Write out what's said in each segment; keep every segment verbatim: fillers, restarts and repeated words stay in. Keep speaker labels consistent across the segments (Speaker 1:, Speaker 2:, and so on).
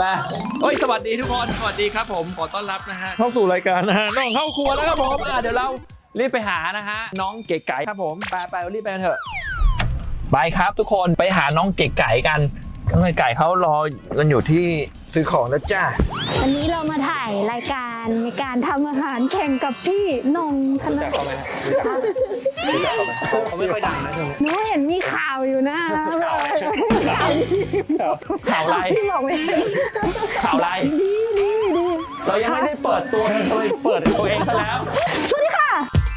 Speaker 1: มาเฮ้ยสวัสดีทุกคนสวัสดีครับผมขอต้อนรับนะฮะเข้าสู่รายการนะฮะน้องเข้าครัวแล้วครับผมอ่ะเดี๋ยวเรารีบไปหานะฮะน้องเก๋ไก่ครับผมไปไปรีบไปกันเถอะไปครับทุกคนไปหาน้องเก๋ไก่กันน้องเก๋ไก่เขารอกันอยู่ที่ซื้อของนะจ้า
Speaker 2: วันนี้เรามาถ่ายรายการในการทำอาหารแข่งกับพี่นงธน
Speaker 1: รู้จักเขาไหมรู้จักเขาไหมเขาไม่ค่อยดังนะช่วงนี้
Speaker 2: หนูเห็นมีข่าวอยู่นะ
Speaker 1: ข่าวข่าวอะไร
Speaker 2: พี่บอกไม่ได้
Speaker 1: ข่าวอะไร
Speaker 2: ดีดีดี
Speaker 1: เรายังไม่ได้เปิดตัวเลยเปิดตัวเองซะแล้ว
Speaker 2: สวัสดีค่ะ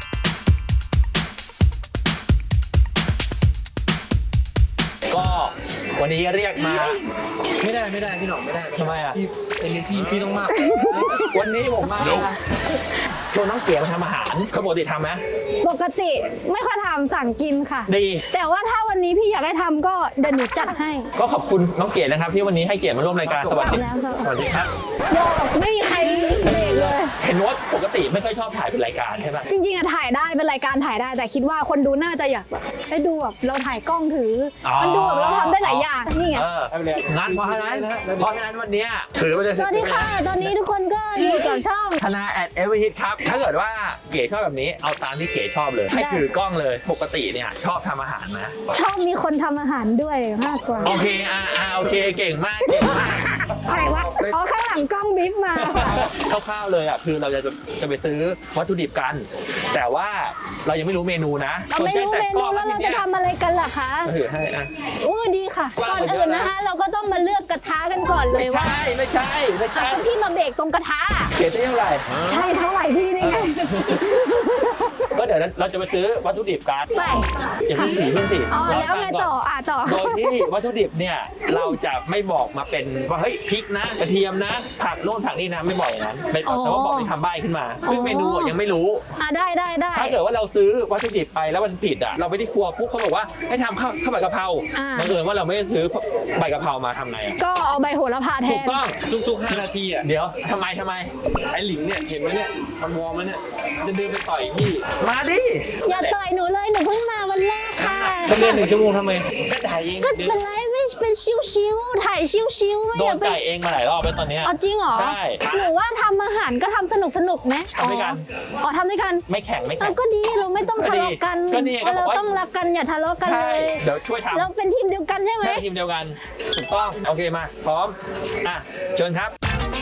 Speaker 1: ก็วันนี้เรียกมา
Speaker 3: ไม่ได้ไม่ได้พี่หน่องไม่ได้
Speaker 1: ทำไมอ่ะ
Speaker 3: พี่เอเนจีพี่ต้องมาก
Speaker 1: วันนี้ผมมาชวนน้องเก๋มาทำอาหารเขาปกติทำไหม
Speaker 2: ปกติไม่ค่อยทำสั่งกินค่ะ
Speaker 1: ดี
Speaker 2: แต่ว่าถ้าวันนี้พี่อยากให้ทำก็เดี๋ยวหนูจัดให้
Speaker 1: ก็ขอบคุณน้องเก๋นะครับที่วันนี้ให้เกียรติมาร่วมรายการสวัสดี
Speaker 2: แล้วค่ะ
Speaker 1: สวัสดีครับ
Speaker 2: บอกไม่มีใครเบรกเลย
Speaker 1: เห็นว่าปกติไม่ค่อยชอบถ่ายเป็นรายการใช่ไหม
Speaker 2: จริงๆอะถ่ายได้เป็นรายการถ่ายได้แต่คิดว่าคนดูน่าจะอยากแบบให้ดูแบบเราถ่ายกล้องถืออมันดูแบบเราทำได้หลายอย่างนี่ไง
Speaker 1: เอองั้นเพราะฉะนั้นเพราะฉะนั้นวันนี้ถือไปเลย
Speaker 2: สวัสดีค่ะ ตอนนี้ทุกคนก็อยู่กับช่อง
Speaker 1: ธนาแอดเอเวอร์ฮิตครับถ้าเกิดว่าเก๋ชอบแบบนี้เอาตามที่เก๋ชอบเลยให้ถือกล้องเลยปกติเนี่ยชอบทำอาหารนะ
Speaker 2: ชอบมีคนทำอาหารด้วยมากกว่า
Speaker 1: โอเคอ่าอ่าโอเคเก่งมากเก่งมาก
Speaker 2: อะไรวะอ๋อข้างหลังกล้องบิ๊บมา
Speaker 1: คร่าวๆเลยอ่ะคือเราจะจะไปซื้อวัตถุดิบกัน แต่ว่าเรายังไม่รู้เมนูนะ
Speaker 2: เราไม่รู้เมนูแล้วเราจะทำอะไรกันล่ะคะ
Speaker 1: ก็ถือให้อ่ะ
Speaker 2: อู้ดีค่ะก่อนอื่นนะคะ เราก็ต้องมาเลือกกระทะกันก่อนเล
Speaker 1: ไม่
Speaker 2: ยว่า
Speaker 1: ใช่ไม่ใช่ไม่ใช่
Speaker 2: เอาพี่มาเบรกตรงกระทะ
Speaker 1: เก๋จะเท่าไหร่
Speaker 2: ใช่เท่าไหร่พี่นี่ไง
Speaker 1: ก็เดี๋ยวเราจะไปซื้อวัตถุดิบกัน
Speaker 2: ไป
Speaker 1: อย่าเพิ่งสีเพิ่งสี
Speaker 2: อ๋อแล้วไงต่ออ่ะต่อ
Speaker 1: โดยที่วัตถุดิบเนี่ยเราจะไม่บอกมาเป็นว่าเฮ้ยพริกนะกระเทียมนะผักโน่นผักนี่นะไม่บอกอย่างนั้นเป็นแต่ว่าบอกเป็นคำใบ้ขึ้นมา ซึ่งเมนูยังไม่รู้
Speaker 2: อ่ะได้ได้ได้
Speaker 1: ถ้าเกิดว่าเราซื้อวัตถุดิบไปแล้วมันผิดอ่ะเราไปที่ครัวปุ๊บเขาบอกว่าให้ทำข้าวข้าวใบกะเพราบังเอิญว่าเราไม่ได้ซื้อใบกะเพรามาทำไงอ่ะ
Speaker 2: ก็เอาใบโหระพาแท
Speaker 1: ถูก
Speaker 2: น
Speaker 1: ต้อง
Speaker 3: ทุกๆห้านาทีอ่ะ
Speaker 1: เดี๋ยวทำไมทำไม
Speaker 3: ไอ้หลิงเนี่ยเห็นไหมเนี่ยมันวอร์มมันเนี่ยจะเดินไปต่อยพี่
Speaker 1: มาดิ
Speaker 2: อย่าต่อยหนูเลยหนูเพิ่งมาวันแรกค่ะ
Speaker 3: จะเดินหนึ่งชั่วโมงทำไมก็ถ่ายเอง
Speaker 2: ก็
Speaker 3: เดิ
Speaker 2: เป็น นไรไม่เป็นชิวๆถ่ายชิวๆไม่
Speaker 1: โด
Speaker 2: อน ย่าไป
Speaker 1: ไก่เองมาหลายรอบแล้วตอนเนี้ย
Speaker 2: เอาจริงเหรอ
Speaker 1: ใช่
Speaker 2: หนูว่าทำอาหารก็ทำสนุกสนุกๆไหม
Speaker 1: ทำด้วยกัน
Speaker 2: อ๋อทำด้วยกัน
Speaker 1: ไม่แข่งไม่
Speaker 2: เอา
Speaker 1: แข่ง
Speaker 2: ก็ดีเราไม่ต้องทะเลาะกัน
Speaker 1: ก็ดีก็ดีก็บอก
Speaker 2: เรา
Speaker 1: ว่า
Speaker 2: ต้องรักกันอย่าทะเลาะกันเล
Speaker 1: ใช่
Speaker 2: ย
Speaker 1: เดี๋ยวช่วยทำ
Speaker 2: เราเป็นทีมเดียวกันใช่ไหม
Speaker 1: ใช่ทีมเดียวกันถูกต้องโอเคมาพร้อมอ่ะเชิญครับ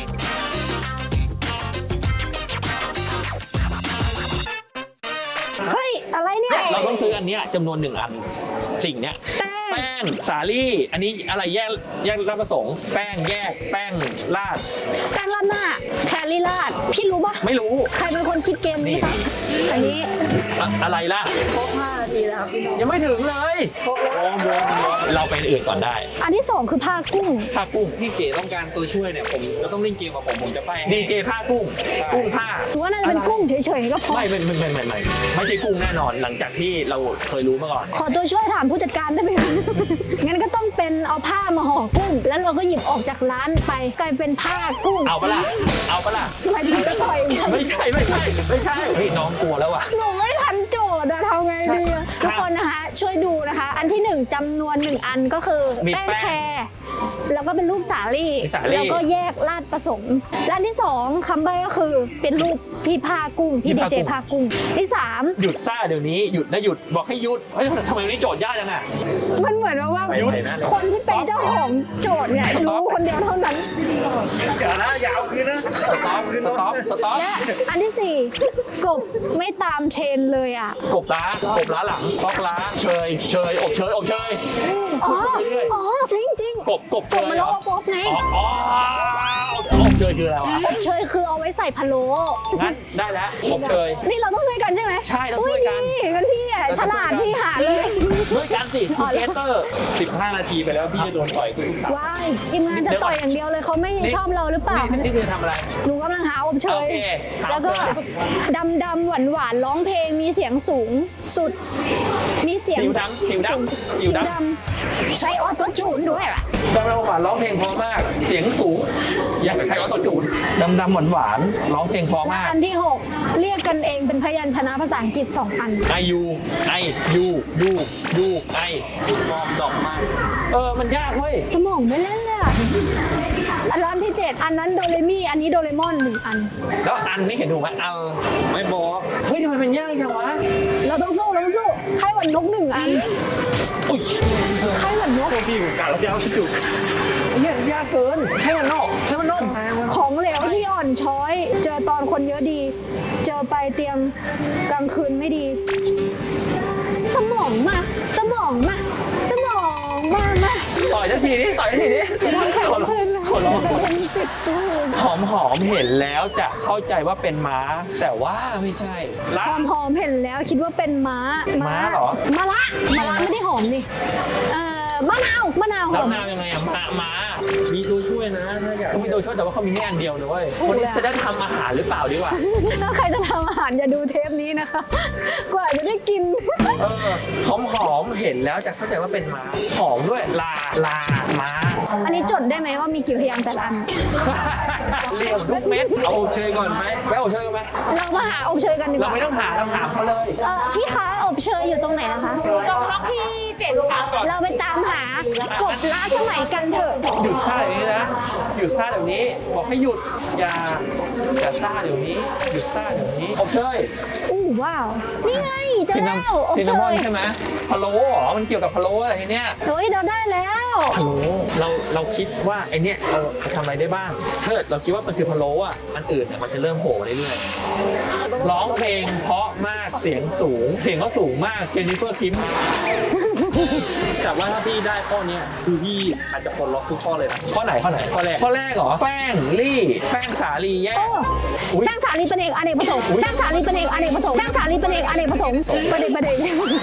Speaker 2: เฮ้ยอะไรเนี่ย
Speaker 1: เราต้องซื้ออันเนี้ยจำนวนหนึ่งอันสิ่งเนี้ย
Speaker 2: แป้ง
Speaker 1: แป้งสาลี่อันนี้อะไรแยกแยกรับประสงค์แป้งแยกแป้งราด
Speaker 2: แป้งราดหน้าแคลรี่ราดพี่รู้ปะ
Speaker 1: ไม่รู้
Speaker 2: ใครเป็นคนคิดเกมนี้คะอันนี้
Speaker 1: อะอะไรล่ะ
Speaker 2: ครบห้านาทีแล้วครับพี่น้อง
Speaker 1: ยังไม่ถึงเลย
Speaker 3: วอร์มวอร์มวอร์ม
Speaker 1: เราไปอื่นก่อนได้
Speaker 2: อันที่สองคือผ้ากุ้ง
Speaker 1: ผ้ากุ้ง
Speaker 3: พี่เก๋ต้องการตัวช่วยเนี่ยผมจะต้องเล่นเกมกับผมผมจะไป
Speaker 1: ดีเจผ้ากุ้งกุ้งผ้า
Speaker 2: หรือว่าน่าจะเป็นกุ้งเฉยๆก็พอ
Speaker 1: ไม่ไม่ไม่ไม่ไม่ไม่ไม่ใช่กุ้งแน่นอน หลังจากที่เราเคยรู้มาก่อน
Speaker 2: ขอตัวช่วยถามผู้จัดการได้ไหมคะ งั้นก็ต้องเป็นเอาผ้ามาห่อกุ้ง แล้วเราก็หยิบออกจากร้านไปกลายเป็นผ้ากุ้ง
Speaker 1: เอาปะล่ะเอาปะล่ะ
Speaker 2: หมายถึงจะต่อยกัน
Speaker 1: ไม่ใช่ไม่ใช่ไม่ใช่เฮ้ยน้องกลัวแล้วว่ะ
Speaker 2: หนูไม่ทันโจทย์อะทำไงดีอะ
Speaker 1: ใช่
Speaker 2: ทุกคนนะคะ ช่วยดูนะคะ อันที่หนึ่งจำนวนหนึ่งอันก็คือ
Speaker 1: มี
Speaker 2: แป้ง
Speaker 1: แป้ง
Speaker 2: แคร์แล้วก็เป็นรูปสาลี่
Speaker 1: มีสาลี่
Speaker 2: แล้วก็แยกราดผสมและอันที่สองคำใบ้ก็คือเป็นรูปพี่ผ้ากุ้งพี่ดีเจผ้ากุ้งที่สาม
Speaker 1: หยุดซ่าเดี๋ยวนี้หยุดนะหยุดบอกให้หยุดเฮ้ยทำไมวันนี้โจทย์ยากจังอ่ะ
Speaker 2: มันเหมือนว่าว่า
Speaker 1: หยุดนะ
Speaker 2: คนที่เป็นเจ้าของโจทย์เนี่ยรู้คนเดียวเท่านั้น
Speaker 3: อย่านะอย่าเอาคืนนะ
Speaker 1: สต็อปสต็อปสต็อป
Speaker 2: และอันที่สี่กบไม่ตามเทรนเลยอ่ะ
Speaker 1: กบล้ากบล้าหลังฟอกล้าเชยเชยอบเชยอบเชย
Speaker 2: อ๋อ
Speaker 1: ไปเรื่อย
Speaker 2: อ๋อจริงจริง
Speaker 1: กบกบ
Speaker 2: ก
Speaker 1: เช
Speaker 2: บ
Speaker 1: ย
Speaker 2: มัน
Speaker 1: เหร
Speaker 2: โล
Speaker 1: อ
Speaker 2: กบไง
Speaker 1: อ๋ออ๋ออบเชยคืออะไรวะ
Speaker 2: อบเชยคือเอาไว้ใส่พะโล้
Speaker 1: งั้นได้แล้วอบเชย
Speaker 2: นี่เราต้องช่วยกันใช่ไหม
Speaker 1: ใช่เราช่วยกัน
Speaker 2: อุ้ดีงั้นพี่อ่ะฉลาดพี่หาเลย
Speaker 1: ด้วยกันสิทูเกเตอร์
Speaker 3: สิบห้านาทีไปแล้วพี่จะโดนต่อยทุกสาม
Speaker 2: ว้ายทีมงานจะต่อยอย่างเดียวเลยเขาไม่ชอบเราหรือเปล่า
Speaker 1: นี่คือทำอะไร
Speaker 2: หนูกำลังหาอบเช
Speaker 1: โอย เคหา
Speaker 2: แล้วก็
Speaker 1: อบเชย
Speaker 2: ดำดำหวานหวานๆร้องเพลงมีเสียงสูงสุด มีเสียง
Speaker 1: ผิวดำผิวดำผิ
Speaker 2: สี
Speaker 1: วด
Speaker 2: ดำใช้ออโต้จูนด้วยล่ะ
Speaker 1: ำดำดำหวานร้องเพลงเพราะมาก เสียงสูง อยากจะใช้ออโต้จูนดำดำหวานหวานร้องเพลงเพราะ
Speaker 2: และ
Speaker 1: มาก
Speaker 2: อันที่หกเรียกกันเองเป็นพยัญชนะภาษาอังกฤษสองอัน
Speaker 1: ไอยูไอยูยูยูไอ
Speaker 3: วอร์มดอกไม้
Speaker 1: เออมันยากเว้ย
Speaker 2: สมองไม่เล่นเลยอะอันร้านที่เจ็ดอันนั้นโดเรมี่อันนี้โดเรมอนหนึ่งอัน
Speaker 1: แล้วอันนี่เห็นถูกไหมอัน
Speaker 3: ไม่บอก
Speaker 1: เฮ้ยทำไมเป็นยากจังวะ
Speaker 2: เราต้องสู้เราต้องสู้ไข้หวัดนกหนึ่งอัน
Speaker 1: อุ้ย
Speaker 2: ไข้หวัดนก
Speaker 3: พี่ผมกะแล้วยาวจุก
Speaker 1: ยากยากเกินใช่มันนอกใช่มันนอก
Speaker 2: ของเหลวที่อ่อนช้อย เจอตอนคนเยอะดี เจอไปเตียงกลางคืนไม่ดี สมองมาสมองมาสมองมามา
Speaker 1: ต่อยทันทีนี้ต่อยทันทีนี้
Speaker 2: ขอร้องขอร้องติดตัว
Speaker 1: หอมหอมเห็นแล้วจะเข้าใจว่าเป็นม้า แต่ว่าไม่ใช่
Speaker 2: ห
Speaker 1: ละ
Speaker 2: อมหอมเห็นแล้วคิดว่าเป็นม้า
Speaker 1: ม้าเหรอ
Speaker 2: มะละมะละไม่ได้หอมนี่เอ่อมะนาวมะนาวห
Speaker 1: แล้ว
Speaker 2: อม
Speaker 1: นาวยังไงอะม้าม้า
Speaker 3: ๆมีตัวช่วยนะถ้าอยาก
Speaker 1: เขามีโดยช่วยแต่ว่าเขามีแค่อันเดียวนะเว้ย
Speaker 2: ถูก
Speaker 1: คนนี้
Speaker 2: แล้ว
Speaker 1: จะได้ทำอาหารหรือเปล่าดีกว่า
Speaker 2: ถ้าใครจะทำอาหารอย่าดูเทปนี้นะคะ กว่าจะได้กิน
Speaker 1: เออหอมหอมเห็นแล้วจะเข้าใจว่าเป็นม้าหอมด้วยลาลาม้า
Speaker 2: อันนี้จดได้ไหมว่ามีกี่พยางค์แต่ละอัน
Speaker 1: เรียวทุกเม็ด
Speaker 3: เอาอบเชยก่อนไหม
Speaker 1: แววเชยไหม
Speaker 2: เรามาหาอบเชยกันดีก
Speaker 1: เรา
Speaker 2: ว่า
Speaker 1: ไม่ต้องหาเราถามเขาเลย
Speaker 2: เออพี่คะอบเชยอยู่ตรงไหนนะคะ
Speaker 4: ตรงล็อกที่เจ็ดค่ะ
Speaker 2: เราไปตามหากบล้าสมัยกันเถอะ
Speaker 1: หยุดซ่าเดี๋ยวนี้นะหยุดซ่าเดี๋ยวนี้ บอกให้หยุดอย่าอย่าซ่าเดี๋ยวนี้หยุดซ่าเดี๋ยวนี้อบเชย
Speaker 2: อู้ว้าว นี่ไงเจอ
Speaker 1: ซิน
Speaker 2: แล้
Speaker 1: นาว
Speaker 2: อบ
Speaker 1: ซิน
Speaker 2: เช
Speaker 1: นามอน
Speaker 2: ย
Speaker 1: ใช่ไหมพะโล้เหรอมันเกี่ยวกับพะโล้อะไรทีเนี้ย
Speaker 2: เฮ้ยเราได้แล้ว
Speaker 1: พะโล้เราเราคิดว่าไอเนี้ยเราทำอะไรได้บ้างถ้าเกิดเราคิดว่ามันคือพะโล้อ่ะอันอื่นเนี่ยมันจะเริ่มโผล่มาเรื่อยๆร้องเพลงเพราะมากเสียงสูง เสียงก็สูงมากเจนนิเฟอร์คิม
Speaker 3: แต่ว่าถ้าพี่ได้ข้อเนี้ยคือพี่อาจจะปลดล็อกทุกข้อเลยนะ
Speaker 1: ข้อไหนข้อไหนข้อแรกข้อแรกเหรอแป้งลี่แป้งสาลีแยก
Speaker 2: โอ้
Speaker 1: อุ๊ย
Speaker 2: แป้งสาลีเป็นเอกอเนกประสงค์แป้งสาลีเป็นเอกอเนกประสงค์แป้งสาลีเป็นเอกอเนกประสงค์ประเด็นประเด็น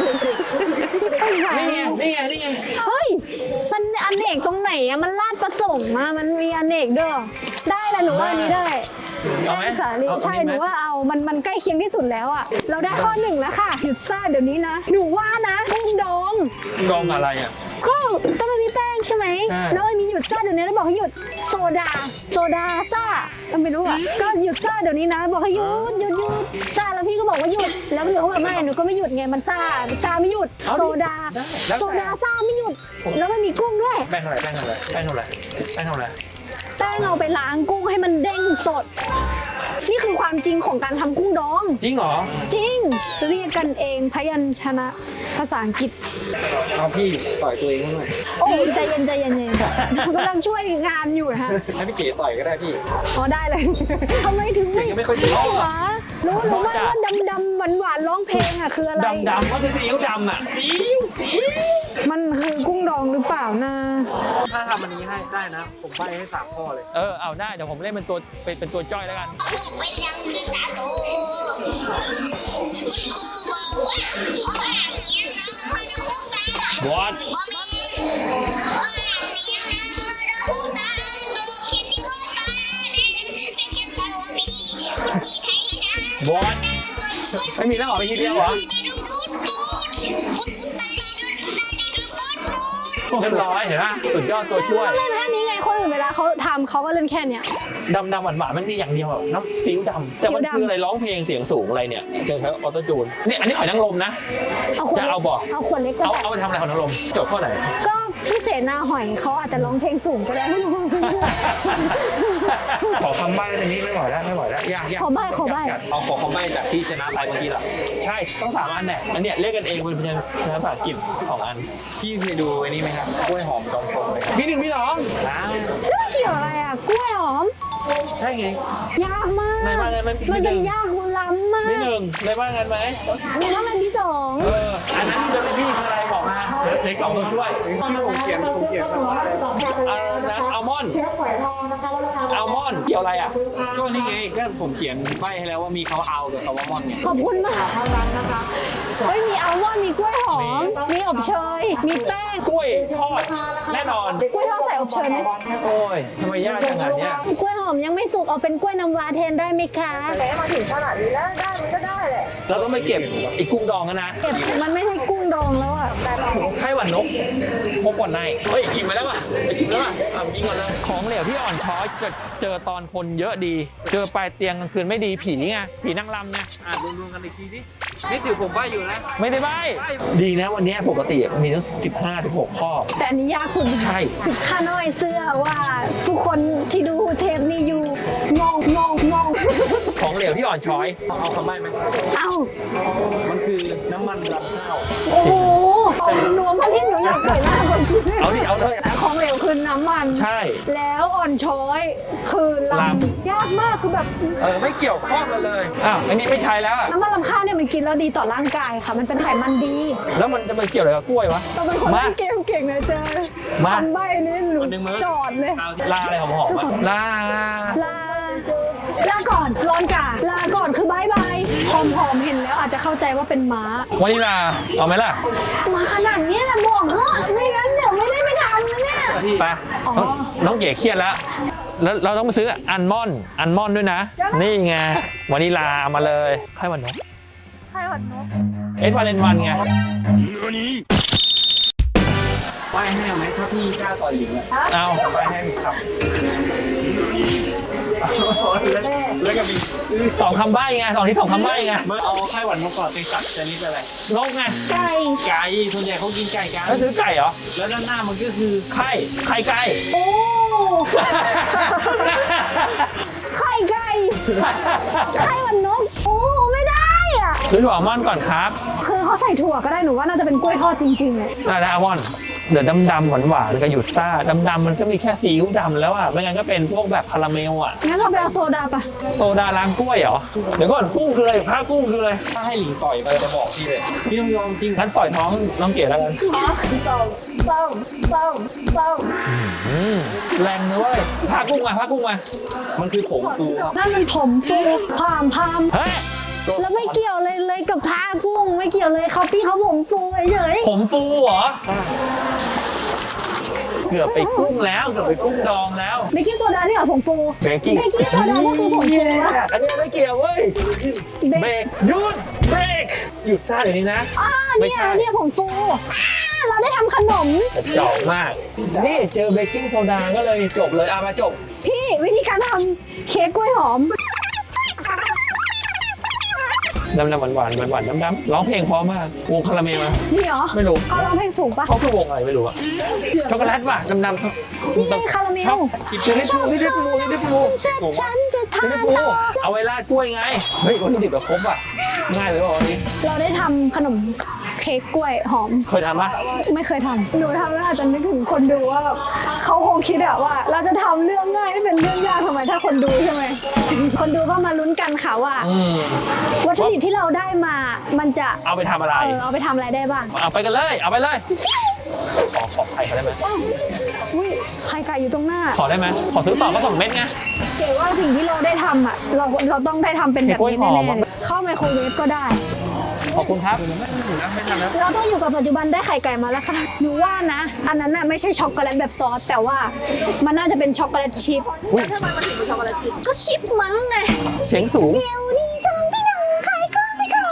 Speaker 1: นี่ไงนี่ไงนี่ไง
Speaker 2: เฮ้ย มันอเนกตรงไหนอะมันลาดประสงค์มามันมีอเนกด้วย ได้ละหนูว่าอันนี้ได้
Speaker 1: เอาไหม
Speaker 2: แป้งสาลี
Speaker 1: เอา
Speaker 2: ใช่
Speaker 1: อัน
Speaker 2: ห
Speaker 1: นี้
Speaker 2: นู
Speaker 1: ไหม
Speaker 2: ว่าเอา มันมันใกล้เคียงที่สุดแล้วอะเราได้ข้อหนึ่งแล้วค่ะ หยุดซ่าเดี๋ยวนี้นะ หนูว่านะกุ้งดอง
Speaker 1: ดองอะไรอ่ะ
Speaker 2: ก็ต้องไม่มีแป้งใช่ไหม
Speaker 1: ใช่
Speaker 2: แล้วมันมีหยุดซ่าเดี๋ยวนี้แล้วบอกให้หยุดโซดา โซดาซ่าก็ไม่รู้อะก็หยุดซ่าเดี๋ยวนี้นะ บอกให้หยุดหยุดหยุดซ่าแล้วพี่ก็บอกว่าหยุด แล้วหนูก็แบบไม่หนูก็ไม่หยุดไง มันซ่าซ่าไม่หยุด โซดา โซดาซ่าไม่หยุด แล้วไม่มีกุ้งด้วย
Speaker 1: แป้งอะไรแป้งอะไรแป้งอะไรแป้งอะไร
Speaker 2: แป้งเอาไปล้างกุ้งให้มันเด้งสด นี่คือความจริงของการทำกุ้งดอง
Speaker 1: จริงเหรอ
Speaker 2: จริง เรียกกันเองพยัญชนะภาษาอังกฤษ
Speaker 3: เอาพี่ต่อยตัวเองหน่อย
Speaker 2: โอ้ใจเย็นใจเย็นใจเย็นกำลังช่วยงานอยู่นะฮะ
Speaker 3: ให้พี่เก๋ต่อยก็ได้พี่
Speaker 2: อ๋อได้เลย ทำไมถึงไม่
Speaker 3: ยังไม่ค่อยดี
Speaker 2: รู้เหรอรู้รู้ว่าว่าดำดำหวานหวานๆร้องเพลงอ่ะคืออะไร
Speaker 1: ดำดำก็คือซีอิ๊วดำอ่ะซีอิ๊วซีอิ๊ว
Speaker 2: มันคือกุ้งดองหรือเปล่านะ
Speaker 3: ถ้าทำอันนี้ให้ได้นะ ผมใบให้สามข้อเลย
Speaker 1: เออเอาได้เดี๋ยวผมเล่นเป็นตัวเป็นเป็นตัวจ้อยแล้วกัน บอสบอสไม่มีแล้วเหรอไม่ทีเดียวเหรอเรียบร้อยเห็นไหมสุดยอดตัวช่วย
Speaker 2: เล่นแค่นี้ไงคนอื่นเวลาเขาทำเขาก็เล่นแค่เนี้ย
Speaker 1: ดำดำหวานหวานๆมันมีอย่างเดียวอะน้ำซีอิ๊วดำแต่มัน
Speaker 2: ซีอิ๊วดำ
Speaker 1: คืออะไรร้องเพลงเสียงสูงอะไรเนี่ยเจอใช้ออโต้จูนเนี่ยอันนี้หอยนางรมนะ
Speaker 2: เอาขวด
Speaker 1: จะเอาบ่
Speaker 2: เอาขวดเล็กก็
Speaker 1: เอา
Speaker 2: ได้
Speaker 1: เอาไปทำอะไรหอยนางรมโจทย์ข้อไหน
Speaker 2: ก็พี่เสนาหอยเขาอาจจะร้องเพลงสูงก็ได้
Speaker 1: ขอคำใบ้อันนี้ไม่ไหวแล้วไม่ไหวแล้วยากยาก
Speaker 2: ขอใบ้ขอใบ้
Speaker 1: ยาก
Speaker 3: เอาขอคำใบ้จากที่ชนะไปเมื่อกี้ล่ะ
Speaker 1: ใช่ต้องสามอันแน่อันเนี้ยเรียกกันเองเป็นภาษาอังกฤษสองอัน
Speaker 3: พี่เคยดูไอ้นี่ไหมครับกล้วยหอมจอมทรงเลย
Speaker 1: พี่หนึ่งพี่สอง
Speaker 3: อ้าว
Speaker 2: แล้วมันเกี่ยวอะไรอ่ะกล้วยหอม
Speaker 1: ใช่ไง
Speaker 2: ยากมาก
Speaker 1: ไหนว่าไงมัน
Speaker 2: มัน
Speaker 1: มีหนึ่
Speaker 2: เป็น
Speaker 1: ง
Speaker 2: ยากล้ำมาก
Speaker 1: พี่หนึ่งเลยว่างันไหม
Speaker 2: หนูว่ามันมีสอง
Speaker 1: เอออันนั้นเดลิพี่คืออะไรบอกมาเดี๋ยวในกล่องตัวช่วย
Speaker 3: ที่ผมเขียนผมเขียนคำว่าอะไร
Speaker 1: เอานะอัลมอนด์อัลมอนด์เกี่ยวอะไรอ่ะ
Speaker 3: ก็นี่ไงก็ผมเขียนใบ้ให้แล้วว่ามีคำว่าเอากับคำว่ามอนไง
Speaker 2: ขอบคุณมากเฮ้ยมีอัลมอนด์มีกล้วยหอม มีอบเชย มีแป้ง
Speaker 1: กล้วยทอดแน่นอน
Speaker 2: กล้วยทอดใส่อบเชยไหม
Speaker 1: โอ้ยทำไมยากขนาดเนี้ย
Speaker 2: กล้วยหอมยังไม่สุกเอาเป็นกล้วยน้ำว้าแทนได้ไหมคะ
Speaker 1: เราต้องไปเก็บไอ้กุ้งดองกันนะ
Speaker 2: เก็บมันไม่ใช่กุ้งดองแล้วอ่ะ
Speaker 1: ไข้หวัดนกพบก่อนในเฮ้ยชิมไปแล้วป่ะไปชิมแล้วป่ะอ่ะยิงก่อนเลยของเหลวที่อ่อนช้อยจะเจอตอนคนเยอะดี เจอปลายเตียงกลางคืนไม่ดีผีไงผีนางรำไง
Speaker 3: อ่านรวมๆกันอีกทีสินี่ถือผมว่าอยู่นะ
Speaker 1: ไม่ได้ใบดีนะวันนี้ปกติมีตั้งสิบห้าถึงหกข้อ
Speaker 2: แต่อันนี้ยากสุด
Speaker 1: ใช่
Speaker 2: ข้าน้อยเสื้อว่าทุกคนที่ดูเทปนี้อยู่งงงงงง
Speaker 1: ของเหลวที่อ่อนช้อย
Speaker 3: เอาคำใบ้ไหม
Speaker 2: เอ้า
Speaker 3: มันคือน้ำมันรำข้าว
Speaker 2: โอ้โหหนูมาที่หนูอยากปล่อยหน้าคนกิน
Speaker 1: เอาดิเอาเลย
Speaker 2: ของเหลวคือน้ำมัน
Speaker 1: ใช่
Speaker 2: แล้วอ่อนช้อยคือล
Speaker 1: ล
Speaker 2: ำยากมากคือแบบ
Speaker 1: เออไม่เกี่ยวข้องกันเลยอ้าวอันนี้ไม่ใช้แล้วอะ
Speaker 2: น้ำมันลำข้าวเนี่ยมันกินแล้วดีต่อร่างกายค่ะ มันเป็นไขมันดี
Speaker 1: แล้วมันจะไปเกี่ยวอะไรกับกล้วยวะ
Speaker 2: ต้องเป็นคน
Speaker 1: มา
Speaker 2: เล่นเกมเก่งนะเจอ
Speaker 1: มา
Speaker 2: ทำใบนี่หนู
Speaker 3: คนหนึ่งมือ
Speaker 2: จอดเลย
Speaker 3: เอา
Speaker 1: ลาอะไรหอมๆอะลา
Speaker 2: ลา ลาก่อนร้อนกาลาก่อนคือบายบายหอมหอมๆเห็นแล้วอาจจะเข้าใจว่าเป็นม้า
Speaker 1: วันนี้ลาเอาไหมล่ะ
Speaker 2: มาขนาดนี้แหละบอกเถอะไม่งั้นเดี๋ยวไม่ได้ไปทำนะเนี่ย
Speaker 1: ไป
Speaker 2: อ๋อ
Speaker 1: น้องน้องเก๋เครียดแล้ว แล้วเราต้องไปซื้ออัลมอนด์อัลมอนด์ด้วยนะ นี่ไงวานิลาเอามาเลยให้วันนก
Speaker 2: ใครหวัดนก
Speaker 1: เอ็ดวาเลนวันไง
Speaker 3: ไหว้ให้ไหมถ้าพี่กล้าต่อยหญิงอะ
Speaker 1: เอา
Speaker 3: ไหว้ให้ครับแล้วก็มี
Speaker 1: สองคำใบ้ไงสองที่สองคำใบ้ไง
Speaker 3: เมื่อเอาไข้หวัดนกก่อนเป็นสัตว์ชนิดอะไร
Speaker 1: นกไง
Speaker 2: ไก่
Speaker 3: ไก่ส่วนใหญ่เขากินไก่กัน
Speaker 1: แล้วซื้อไก่เหรอ
Speaker 3: แล้วด้านหน้ามันก็คือ
Speaker 1: ไข่ไข่ไก่
Speaker 2: โอ้ไข่ไก่ไข่หวัดนกโอ้ไม่ได้อ่ะ
Speaker 1: ซื้อถั่วอัลมอนด์ก่อนครับ
Speaker 2: คือเขาใส่ถั่วก็ได้หนูว่าน่าจะเป็นกล้วยทอดจริงๆเลย
Speaker 1: ได้แล้วอัลมอนด์เดี๋ยวดำๆหวานๆกับหยุดซ่าดำๆมันก็มีแค่ซีอิ๊วดำแล้วอ่ะไม่งั้นก็เป็นพวกแบบคาราเมลอ่ะ
Speaker 2: งั้นเราไปเอาโซดาปะ
Speaker 1: โซดาล้างกล้วยเหรอเดี๋ยวก่อนกุ้งคืออะไรผ้ากุ้งคืออะไร
Speaker 3: ถ้าให้หลิงต่อยไปจะบอกพี่เลยพี่ต้องยอมจริง
Speaker 1: งั้นปล่อยท้องน้องเก๋แล้วกัน
Speaker 2: อ๋อส้มส้มส้มส้ม
Speaker 1: อืมแรงนะเว้ยผ้ากุ้งมาผ้ากุ้งมา
Speaker 3: มันคือผงฟูครับ
Speaker 2: นั่นมันผมฟูพามพาม
Speaker 1: เฮ้ย
Speaker 2: แล้วไม่เกี่ยวเลยเลยกับพากุ้งไม่เกี่ยวเลยเขาพี่เขาผมฟูเฉย
Speaker 1: ผมฟูเหรอเกือบไปกุ้งแล้วเกือบไปกุ้งดองแล้ว
Speaker 2: ๆเบกกิ้งโซดานี่เหรอผมฟู
Speaker 1: เบกกิ้ง
Speaker 2: เบกกิ้งโซดาก็คือผมฟูนะ
Speaker 1: อันนี้ไม่เกี่ยวเว้ย
Speaker 2: เบ
Speaker 1: เบร
Speaker 2: ก
Speaker 1: กหยุดเบรกหยุดซ่าเดี๋ยวนี้นะ
Speaker 2: อ่า
Speaker 1: ไม่
Speaker 2: เนี่ย
Speaker 1: ใช่
Speaker 2: เนี่ยผมฟูอ่าเราได้ทำขนม
Speaker 1: เจาะมาก นี่เจอเบกกิ้งโซดาก็เลยจบเลยเอามาจบ
Speaker 2: พี่วิธีการทำเค้กกล้วยหอม
Speaker 1: ดำดำหวานหวานหวานหวานดำดำร้องเพลงเพราะมากวงคาราเมลมา
Speaker 2: นี่เหรอ
Speaker 1: ไม่รู้
Speaker 2: เขาร้องเพลงสูงปะ
Speaker 1: เขาคือวงอะไรไม่รู้อะช็อกโกแลตป่ะดำดำ
Speaker 2: นี่ไงคาราเมล
Speaker 1: ชอบชิลลี่ฟูชิลลี่ฟูชิลลี่ฟู
Speaker 2: ฉันฉันจะ
Speaker 1: ชิล
Speaker 2: ทาน
Speaker 1: ลี่ฟู
Speaker 2: ต่อ
Speaker 1: เอาไว้ราดกล้วยไงเฮ้ยวัตถุดิบแบบครบอ่ะง่ายเลยว่ะวันนี้
Speaker 2: เราได้ทำขนมเค้กกล้วยหอม
Speaker 1: เคยทำปะ
Speaker 2: ไม่เคยทำหนูทำแล้วอาจจะนึกถึงคนดูว่าแบบเขาคงคิดอะว่า เราจะทำเรื่องง่ายไม่เป็นเรื่องยากทำไมถ้าคนดูใช่ไหม คนดูก็มาลุ้นกันค่ะว่า
Speaker 1: อืม
Speaker 2: วัตถุดิบที่เราได้มา มันจะ
Speaker 1: เอาไปทำอะไร
Speaker 2: เออเอาไปทำอะไรได้บ้าง
Speaker 1: เอาไปกันเลย เอาไปเลย ขอขอไข่เขาได้ไหม
Speaker 2: อ้าวอุ้ยไข่ไก่อยู่ตรงหน้า
Speaker 1: ขอได้ไหมขอซื้อต่อก็สองเม็ดไง
Speaker 2: เก๋ว่าสิ่งที่เราได้ทำอะเราเราต้องได้ทำเป็นแบบนี้
Speaker 1: เค้กกล้วยหอ
Speaker 2: แน่
Speaker 1: ม
Speaker 2: ๆเลยเข้าไมโครเวฟก็ได้
Speaker 1: ขอบคุณครับ
Speaker 2: เราต้องอยู่กับปัจจุบันได้ไข่ไก่มาแล้วค่ะหนูว่านะ อันนั้นน่ะไม่ใช่ช็อกโกแลตแบบซอสแต่ว่ามันน่าจะเป็นช็อกโกแลตชิพ
Speaker 1: อุ๊ย
Speaker 2: แล้วทำไมมันถึงเป็นช็อกโกแลตชิพก็ชิพมั้งไง
Speaker 1: เสียงสูง
Speaker 2: เดี๋ยวนี้สองพี่น้องขายก็ไม่เข้า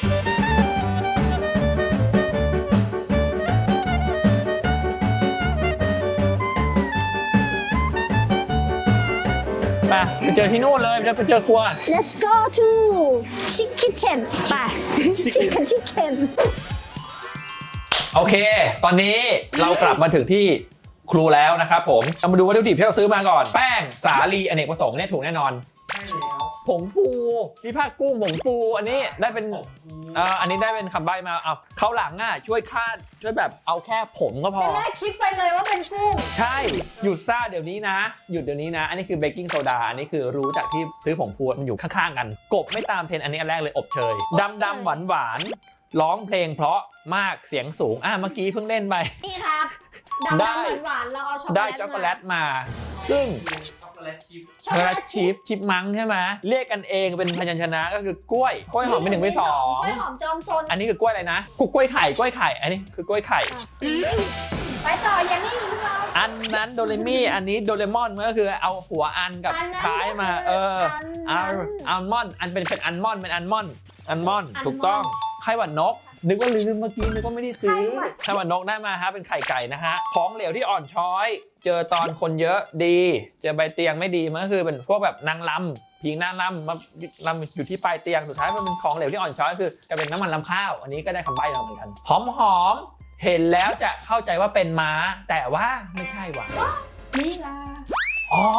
Speaker 1: ไปไปเจอที่นู่นเลยไปเจอครัว
Speaker 2: Let's go to Chick Kitchen ไป Chicken Chicken
Speaker 1: โอเค ตอนนี้เรากลับมาถึงที่ครูแล้วนะครับผมเรามาดูวัตถุดิบที่เราซื้อมาก่อน แป้งสาลีอเนกประสงค์เนี่ยถูกแน่นอน ผงฟูพี่ภาคกุ้งผงฟูอันนี้ได้เป็นเอ่ออันนี้ได้เป็นคำใบ้มาเอาเขาวหลังอ่ะช่วยคาดช่วยแบบเอาแค่ผมก็พอ
Speaker 2: แรกคิดไปเลยว่าเป็นกุ้ง
Speaker 1: ใช่หยุดซ่าเดี๋ยวนี้นะ หยุดเดี๋ยวนี้นะ อันนี้คือเบกกิ้งโซดาอันนี้คือรู้จากที่ซื้อผงฟูมันอยู่ข้างๆกัน กบไม่ตามเทรนด์อันนี้อันแรกเลยอบเชยดำดำหวานหวานๆร้องเพลงเพราะมากเสียงสูงอ่ะเมื่อกี้เพิ่งเล่นไป
Speaker 2: นี่ครับ
Speaker 1: ได้
Speaker 2: ดำๆหวานๆเราเอาช็อกโกแลต
Speaker 1: ได้ช็อกโกแลตมา ซึ่ง
Speaker 3: ช็อกโกแลตชิพ
Speaker 1: ช็อกโกแลตชิพชิปมังใช่ไหมเรียกกันเองเป็นพยัญชนะก็คือกล้วยกล้วยหอมเป็นหนึ่งเป็นสอง
Speaker 2: กล้วยหอมจอมซน
Speaker 1: อันนี้คือกล้วยอะไรนะกล้วยไข่กล้วยไข่อันนี้คือกล้วยไข่
Speaker 2: ไปต่ออย่างนี้เรา
Speaker 1: อันนั้นโดเรมี่อันนี้โดเรมอนมันก็คือเอาหัวอันกับ
Speaker 2: อันนั้น
Speaker 1: ท้ายมา
Speaker 2: ก็คือ
Speaker 1: เออ
Speaker 2: อั
Speaker 1: อั
Speaker 2: น
Speaker 1: ล
Speaker 2: นั้น
Speaker 1: อัลมอนด์อันเป็นเป็นอัลมอนด์เป็นอัลมอนด์อัลมอนด์
Speaker 2: อัลมอนด์
Speaker 1: ถูกต้องไข่หวัดนกนึกว่าลืมเมื่อกี้นึกว่าไม่ได้ซื้อ
Speaker 2: ใช่ว่ะ
Speaker 1: ถ้าวันนกได้มาฮะเป็นไข่ไก่นะฮะของเหลวที่อ่อนช้อย เจอตอนคนเยอะดี เจอใบเตียงไม่ดีมันก็คือเป็นพวกแบบนางลำพิงนางลำมาลำอยู่ที่ปลายเตียงสุดท้ายมันเป็นของเหลวที่อ่อนช้อยคือจะเป็นน้ำมันลำข้าวอันนี้ก็ได้คำใบ้มาเหมือนกันหอมหอมๆเห็นแล้วจะเข้าใจว่าเป็นม้า แต่ว่าไม่ใช่ว่ะ
Speaker 2: นี่ล่ะ
Speaker 1: อ๋อ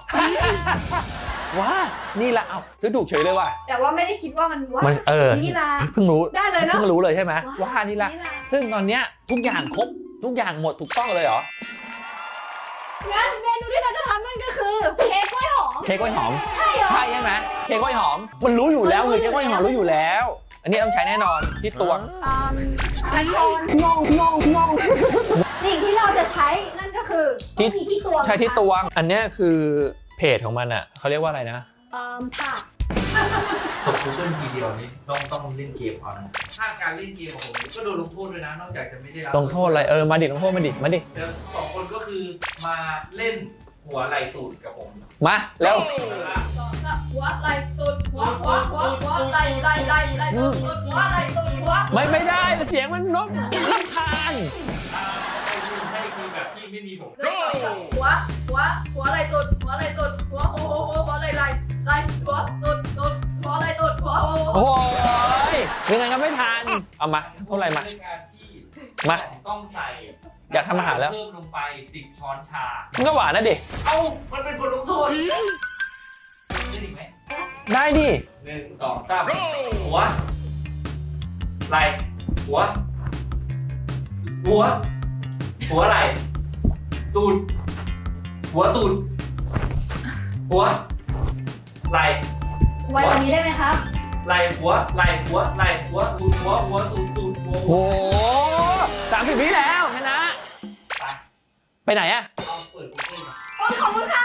Speaker 1: ว่านี่ละเอ้าซื้อถูกเฉยเลยว่ะ
Speaker 2: แต่ว่าไม่ได้คิดว่ามันว่า
Speaker 1: มันเออ
Speaker 2: นี่ล่ะ
Speaker 1: เพิ่งรู้
Speaker 2: ได้เลยเนอะ
Speaker 1: เพิ่งรู้เลยใช่ไหม
Speaker 2: ว้า
Speaker 1: ว่านี่ละ
Speaker 2: นี่ล่ะ
Speaker 1: ซึ่งตอนเนี้ยทุกอย่างครบทุกอย่างหมดถูกต้องเลยเหรอ
Speaker 2: งั้นเมนูที่เราจะทำนั่นก็คือเค้กกล้วยหอม
Speaker 1: เค้กกล้วยหอม
Speaker 2: ใช่เหรอ
Speaker 1: ใช่ใช่ไหมเค้กกล้วยหอม มันรู้อยู่แล้วเลยเค้กกล้วยหอมรู้อยู่แล้ว อันนี้ต้องใช้แน่นอนที่ตวง
Speaker 2: อ่าอันนอนงงงงงงสิ่งที่เราจะใช้นั่นก็คือต้องมีที่ตวง
Speaker 1: ใช่ที่ตวง อันเนี้ยคือเพจของมันอ่ะเขาเรียกว่าอะไรนะ
Speaker 2: เอ่อถาด
Speaker 3: ตกกูเกิลทีเดียวนี่ต้องต้องเล่นเกมเอานะถ้าการเล่นเกมของผมก็โดนลงโทษด้วยนะนอกจากจะไม่ได้รับ
Speaker 1: ลงโทษอะไรเออมาดิลงโทษมาดิมาดิ
Speaker 3: แล้วสองคนก็คือมาเล่นหัวไหล่ตูดกับผม
Speaker 1: มาเร็ว
Speaker 4: หัวไหล่ตุดหัวหัวหัวหัวไหล่ไหล่ไหล่ไหล่ตุดตุดหัวไหล่ตุดหัว
Speaker 1: ไม่ไม่ได้เสียงมันนกรำคาญ
Speaker 3: อ่าให้ทีมให้ทีมแบบที่ไม่มีผม
Speaker 4: หัวหัวหัวไหล่ตุดหัวไหล่ตุดหัวโอ้โหหัวไหล่ไหล่ไหล่หัวตุดตุดหัวไหล่ตุดหัวโอ้โห
Speaker 1: โอ้ยยังไงก็ไม่ทันเอามาเท่าไหร่มา
Speaker 3: เป็นการที่
Speaker 1: มา
Speaker 3: ต้องใส่
Speaker 1: อยากทำอาหารแล้ว
Speaker 3: เพิ่มลงไปสิบช้อนชา
Speaker 1: มันก็หวานนะดิ
Speaker 3: เอ้ามันเป็นบทลงโทษได้อีกไหม
Speaker 1: ได้ดิ
Speaker 3: หนึ่งสองสามหัวไหล่หัว หัว หัวไหล่ตูด หัวตูด หัวไหล่
Speaker 2: ไว้วันนี้ได้ไหมครับ
Speaker 3: ไหล่หัวไหล่หัวไหล่หัวตูดหัวหัวตูดตูดหัว
Speaker 1: โอ้โหสามสิบวิแล้วชนะ
Speaker 3: ไป
Speaker 1: ไปไหนอะ
Speaker 3: เอาเปิดกูเกิล
Speaker 2: โอ้ขอบคุณค่ะ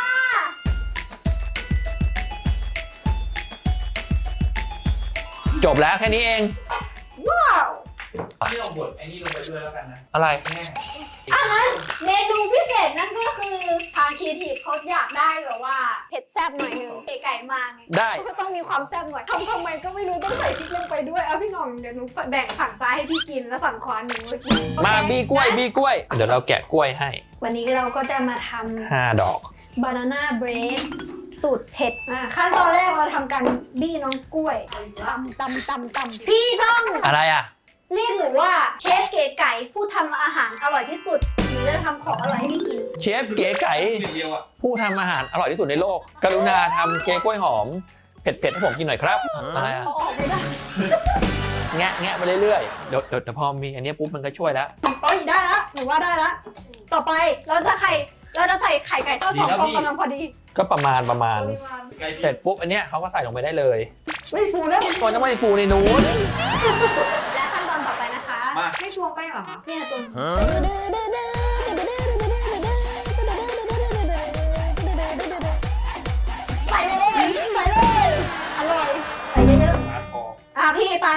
Speaker 1: จบแล้วแค่นี้เอง
Speaker 2: ว้าว
Speaker 3: ที่ลงบทไอ้นี่ลงไปด้วยแล้วกันนะ
Speaker 1: อะไร
Speaker 3: แม่
Speaker 2: อันนั้นเมนูพิเศษนั่นก็คือทางครีเอทีฟเขาอยากได้แบบว่าเผ็ดแซ่บหน่อยนึงเก๋ไก่มากไง
Speaker 1: ได้
Speaker 2: ก็ต้องมีความแซ่บหน่อยทำทำไมก็ไม่รู้ต้องใส่พริกลงไปด้วยเอาพี่หน่องเดี๋ยวหนูแบ่งฝั่งซ้ายให้พี่กินแล้วฝั่งขวาหนูมากิน
Speaker 1: มา
Speaker 2: โอเค
Speaker 1: บีกล้วยบีกล้วย เดี๋ยวเราแกะกล้วยให้
Speaker 2: วันนี้เราก็จะมาท
Speaker 1: ห้าดอก
Speaker 2: ำบานาน่าเบรดสูตรเผ็ดอ่ะขั้นตอนแรกเราทำการบี้น้องกล้วยตำตำตำตำพี่ต้อง
Speaker 1: อะไรอะ
Speaker 2: เรียกหนูว่าเชฟเก๋ไก่ผู้ทำอาหารอร่อยที่สุดหนูจะทำของอร่อยให้พี่กิน
Speaker 1: เชฟเก๋ไก่
Speaker 3: เดียวอ่ะ
Speaker 1: ผู้ทำอาหารอร่อยที่สุดในโลก กรุณาทำเค้กกล้วยหอม เผ็ดๆให้ผมกินหน่อยครับ อะไรอะ
Speaker 2: เอาออกไม่ได้
Speaker 1: แงะแงะไปเรื่อยๆ เดี๋ยวเดี๋ยวเดี๋ยวพอมีอันเนี้ยปุ๊บมันก็ช่วยแล้ว
Speaker 2: โอ้ยได้ละหนูว่าได้ละต่อไปเราจะไข่เราจะใส่ไข่ไก่ทอดสองฟองกำลังพอดี
Speaker 1: ก็ประมาณประมาณ
Speaker 3: ใกล้
Speaker 1: เสร็จปุ๊บอันเนี้ยเขาก็ใส่ลงไปได้เลย
Speaker 2: ไม่ฟูแล้ว
Speaker 1: ตัวน้ำมันฟูในนู้น
Speaker 2: และขั้นตอนต่อไปนะคะ
Speaker 3: มา
Speaker 4: ไม่ชวงไปเหรอคะ
Speaker 2: เนี่ยตัวใส่เลยใส่เลยอร่อยใส่เยอะ
Speaker 3: มาพอ
Speaker 2: ๆอ่ะพี่ไป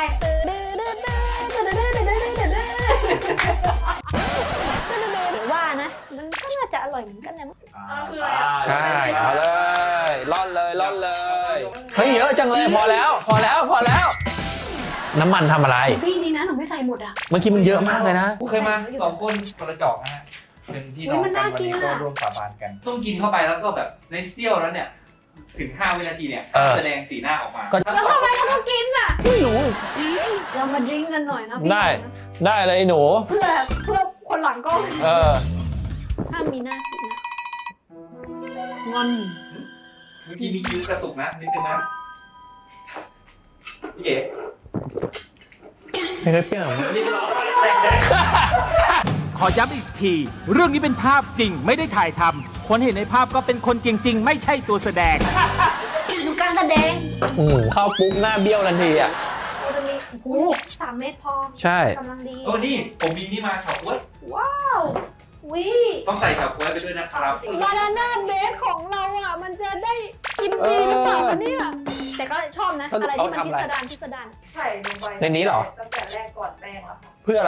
Speaker 2: ว่านะมันก็น่าจะอร่อยเหมือนกันนะ
Speaker 1: ใช่เอาเลยร่อนเลยร่อนเลย เฮ้ยเยอะจังเลยพอแล้ว พอแล้วพอแล้ว น้ำมันทำอะไร
Speaker 2: พี่นี่นะหนูไม่ใส่หมดอ่ะ
Speaker 1: เมื่อกี้มันเยอะมากเลยนะ
Speaker 3: เคยมาสองคนกระจอกนะฮะ เป็นพี่น้องกันวันนี้ก็ร่วมสาบานกัน ต้องกินเข้าไปแล้วก็แบบในเซี่ยวนั้นเนี่ย ถึงห้าวินาทีเนี่ย
Speaker 1: เออ
Speaker 3: แสดงสีหน้าออกมา
Speaker 1: ก็
Speaker 2: แล้วทำไมเราต้องกินอ่ะ
Speaker 1: ไม่รู้
Speaker 2: เรามาดริ้งกันหน่อยนะพี่
Speaker 1: ได้ ได้เลยหนู
Speaker 2: เพื่อเพื่อคนหลังกล้อง
Speaker 1: เออ
Speaker 2: ถ้ามีหน้ากินนะงอน
Speaker 3: เมื่อกี้มีคิ้วกระตุกนะนิดนึงนะพี่เอ๋
Speaker 1: ไม่เคยเปรี้ยวหรอ
Speaker 3: นี่ก็ร้องไห้แตก
Speaker 5: ขอย้ำอีกที เรื่องนี้เป็นภาพจริงไม่ได้ถ่ายทำคนเห็นในภาพก็เป็นคนจริง ๆ ไม่ใช่ตัวแสดง
Speaker 2: ดูการแสดง
Speaker 1: อืมเข้าปุ๊บหน้าเบี้ยวทันทีอ่ะ
Speaker 2: เราจะมีโอ้โหสามเม็ดพอ
Speaker 1: ใช่
Speaker 2: กำลังดี
Speaker 3: โอ้นี่ผมมีนี่มาเฉาก๊วย
Speaker 2: ว้าววิ
Speaker 3: ต้องใส่เฉาก๊วยไปด้วยนะครับ
Speaker 2: บานาน่าเบสของเราอ่ะ มันจะได้กินดีหรือเปล่าคะเนี่ยแต่ก็ชอบนะ อะไรที่มันพิสดารพิสดาร
Speaker 6: ไข่ลงไป
Speaker 1: ในนี้เหรอ
Speaker 6: ตั้งแต่แรกก่อนแป้งแล้วค่ะ
Speaker 1: เพื่ออะไร
Speaker 6: เ